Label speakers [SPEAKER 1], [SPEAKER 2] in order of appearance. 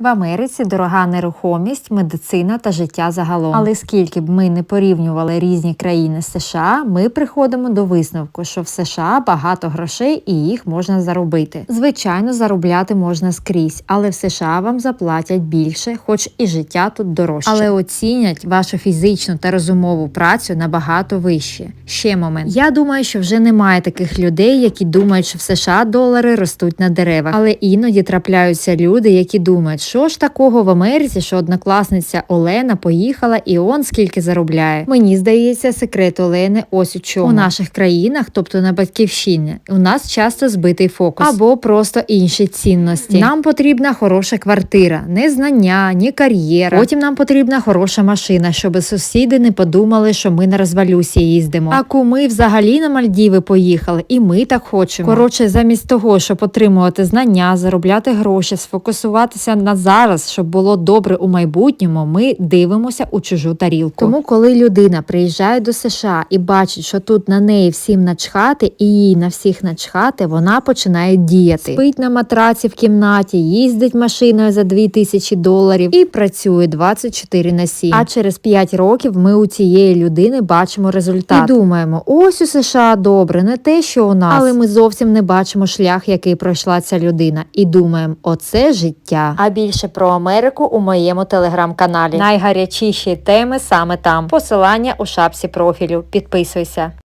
[SPEAKER 1] В Америці дорога нерухомість, медицина та життя загалом. Але скільки б ми не порівнювали різні країни з США, ми приходимо до висновку, що в США багато грошей і їх можна заробити. Звичайно, заробляти можна скрізь, але в США вам заплатять більше, хоч і життя тут дорожче. Але оцінять вашу фізичну та розумову працю набагато вище. Ще момент. Я думаю, що вже немає таких людей, які думають, що в США долари ростуть на деревах. Але іноді трапляються люди, які думають, що ж такого в Америці, що однокласниця Олена поїхала і он скільки заробляє. Мені здається, секрет Олени ось у чому. У наших країнах, тобто на батьківщині, у нас часто збитий фокус. Або просто інші цінності. Нам потрібна хороша квартира, не знання, ні кар'єра. Потім нам потрібна хороша машина, щоб сусіди не подумали, що ми на розвалюсі їздимо. А куми взагалі на Мальдіви поїхали, і ми так хочемо. Коротше, замість того, щоб отримувати знання, заробляти гроші, сфокусуватися на зараз, щоб було добре у майбутньому, ми дивимося у чужу тарілку. Тому, коли людина приїжджає до США і бачить, що тут на неї всім начхати і їй на всіх начхати, вона починає діяти. Спить на матраці в кімнаті, їздить машиною за $2000 і працює 24/7. А через 5 років ми у цієї людини бачимо результат. І думаємо, ось у США добре, не те, що у нас. Але ми зовсім не бачимо шлях, який пройшла ця людина. І думаємо, оце життя. А більше про Америку у моєму телеграм-каналі. Найгарячіші теми саме там. Посилання у шапці профілю. Підписуйся.